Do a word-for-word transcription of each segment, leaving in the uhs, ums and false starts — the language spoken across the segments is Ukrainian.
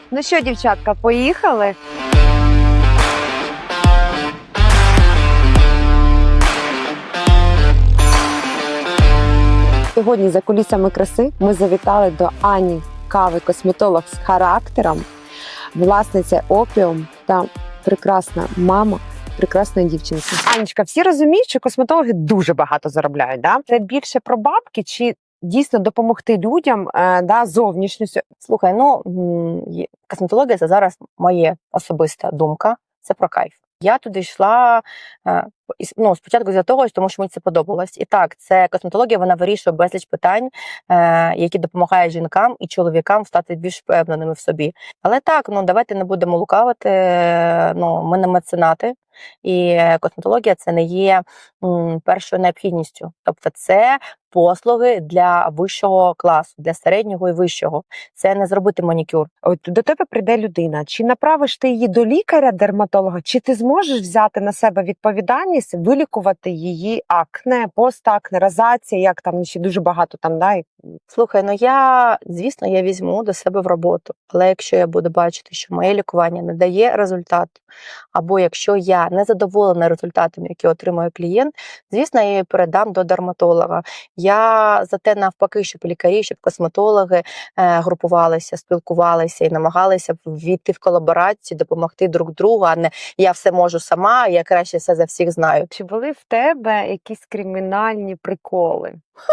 Ну що, дівчатка, поїхали? Сьогодні за кулісами краси ми завітали до Ані Кави, косметолог з характером, власниця Опіум та прекрасна мама прекрасної дівчинки. Анечка, всі розуміють, що косметологи дуже багато заробляють, да? Це більше про бабки чи дійсно допомогти людям, е, да, зовнішністю? Слухай, ну м, косметологія – це зараз моя особиста думка, це про кайф. Я туди йшла е, із- ну, спочатку з-за того, тому що мені це подобалось. І так, це косметологія, вона вирішує безліч питань, е, які допомагають жінкам і чоловікам стати більш впевненими в собі. Але так, ну давайте не будемо лукавити, е, ну, ми не меценати, і косметологія – це не є м, першою необхідністю. Тобто це послуги для вищого класу, для середнього і вищого. Це не зробити манікюр. От до тебе прийде людина. Чи направиш ти її до лікаря-дерматолога, чи ти зможеш взяти на себе відповідальність вилікувати її акне, постакне, розація, як там ще дуже багато там, да? і- Слухай, ну я, звісно, я візьму до себе в роботу, але якщо я буду бачити, що моє лікування не дає результату, або якщо я не задоволена результатом, який отримує клієнт, звісно, я її передам до дерматолога. Я за те навпаки, щоб лікарі, щоб косметологи е, групувалися, спілкувалися і намагалися ввійти в колаборацію, допомогти друг другу, а не я все можу сама, я краще все за всіх знаю. Чи були в тебе якісь кримінальні приколи?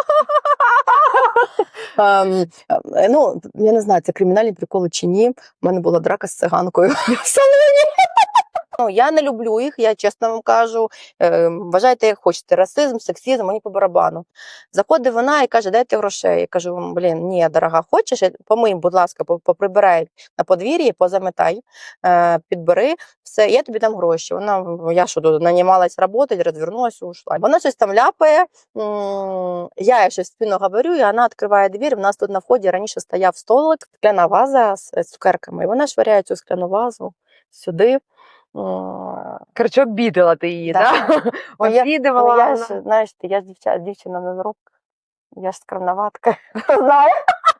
Ем, е, ну, я не знаю, це кримінальні приколи чи ні. У мене була драка з циганкою в салоні. Ну, я не люблю їх, я чесно вам кажу. Е, вважайте, як хочете, расизм, сексизм, мені по барабану. Заходить вона і каже, дайте грошей. Я кажу, блін, ні, дорога, хочеш, помий, будь ласка, по- поприбирай на подвір'ї, позаметай, е, підбери, все, я тобі дам гроші. Вона, я що, тут нанімалась працювати, розвернулася, ушла. Вона щось там ляпає, м, я їй щось в спину говорю, і вона відкриває двір, в нас тут на вході раніше стояв столик, скляна ваза з з цукерками, і вона швиряє цю скляну вазу сюди. М, Коротше, обідала ти її, Да. да? Ну, я- Обідувала. Ну, я вона. ж, знаєш, ти, я ж дівча, дівчина на рук, я ж скромноватка, знаю.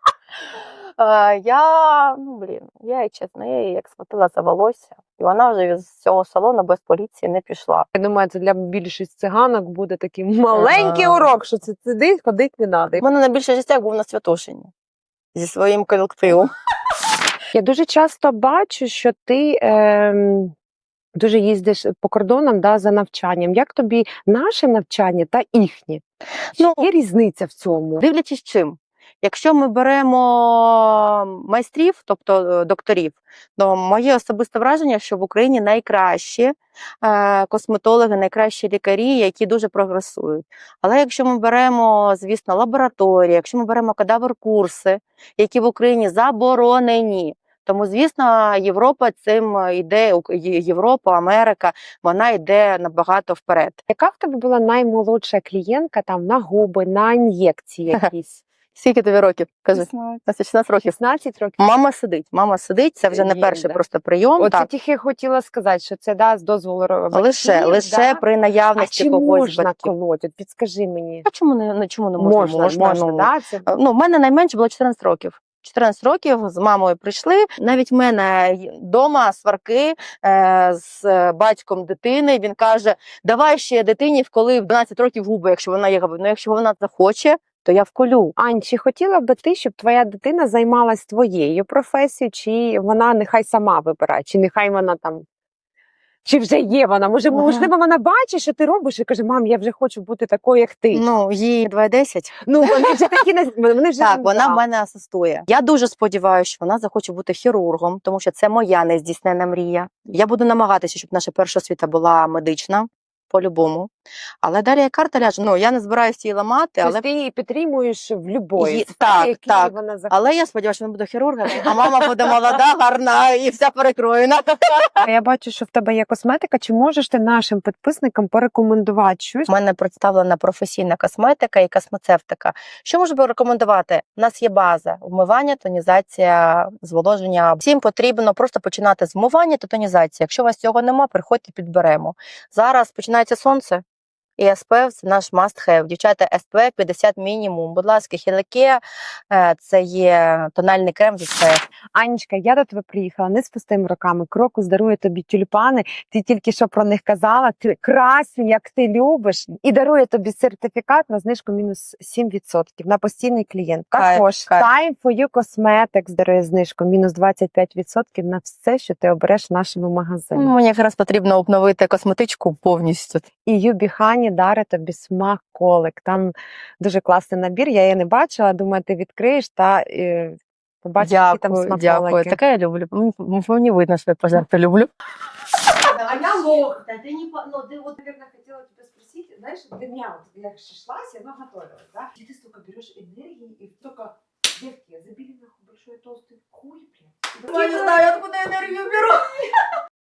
Е, Я, ну, блін, я їй чесно, я її як схватила за волосся, і вона вже з цього салону без поліції не пішла. Я думаю, це для більшості циганок буде такий маленький Ага. урок, що це сиди, ходить не треба. У мене найбільше життя був на Святошині зі своїм колективом. Я дуже часто бачу, що ти ем, дуже їздиш по кордонам, да, за навчанням. Як тобі наше навчання та їхнє? Ну, Є різниця в цьому? Дивлячись чим. Якщо ми беремо майстрів, тобто е, докторів, то моє особисте враження, що в Україні найкращі е, косметологи, найкращі лікарі, які дуже прогресують. Але якщо ми беремо, звісно, лабораторії, якщо ми беремо кадавр-курси, які в Україні заборонені, тому, звісно, Європа цим йде, Ук- Є- Європа, Америка, вона йде набагато вперед. Яка в тебе була наймолодша клієнтка там на губи, на ін'єкції якісь? Скільки тобі років? Кажи. шістнадцять років. шістнадцять років? Мама сидить, мама сидить, це вже не Є, перший да? просто прийом. Оце Так. тільки хотіла сказати, що це да, з дозволу ро- батьків, Лише, лише да? при А наявності чи когось з можна батьків. колоть? От підскажи мені. А чому не, ну, чому не можна? Можна, можна, ну, да? Це... Ну, в мене найменше було чотирнадцять років. чотирнадцять років з мамою прийшли. Навіть в мене вдома сварки е, з батьком дитини. Він каже, давай ще дитині вколи в дванадцять років губи, якщо вона є. Ну, якщо вона захоче, то я вколю. Ань, чи хотіла би ти, щоб твоя дитина займалась твоєю професією, чи вона нехай сама вибирає, чи нехай вона там, чи вже є вона? Може, Ага. можливо, вона бачить, що ти робиш, і каже, мам, я вже хочу бути такою, як ти. Ну, їй два десять. Ну, вони вже такі, не- вони вже Так, вона да. в мене асистує. Я дуже сподіваюся, що вона захоче бути хірургом, тому що це моя нездійснена мрія. Я буду намагатися, щоб наша перша освіта була медична, по-любому. Але далі як карта ляже. Ну, я не збираюся її ламати, Тобто але... ти її підтримуєш в любої Є- сфері, так, якій так. вона захоче. але я сподіваюся, що вона буде хірургом, а мама буде молода, гарна і вся перекроєна. Я бачу, що в тебе є косметика. Чи можеш ти нашим підписникам порекомендувати щось? У мене представлена професійна косметика і космецевтика. Що можу би рекомендувати? У нас є база: вмивання, тонізація, зволоження. Всім потрібно просто починати з вмивання та тонізації. Якщо у вас цього нема, приходьте, підберемо. Зараз починається сонце. І ес пі еф – це наш must have. Дівчата, ес пі еф п'ятдесят мінімум. Будь ласка, Хілеке – це є тональний крем з ес пі еф. Анечка, я до тебе приїхала не з пустими руками. Крокус дарує тобі тюльпани. Ти тільки що про них казала. Ти красень, як ти любиш. І дарує тобі сертифікат на знижку мінус сім відсотків на постійний клієнт. Кайф, Також кайф. Time for You Cosmetics дарує знижку мінус двадцять п'ять відсотків на все, що ти обереш в нашому магазині. Мені якраз потрібно обновити косметичку повністю. І Юбі Хані дарить тобі смаколик. Там дуже класний набір. Я її не бачила. Думаю, ти відкриєш та е, побачиш, які там Дякую, смаколики. дякую. Таке я люблю. Мені- Мені видно, що я пожарти люблю. А я лох, да, ты не, по- ну, ты вот, наверное, хотела тебя спросить, знаешь, для меня, вот, я шашлась, я ну, готовилась, да, и ты столько берешь энергии, и столько, девки, забили нахуй большой толстый хуй, блядь. Я не знаю, откуда энергию беру.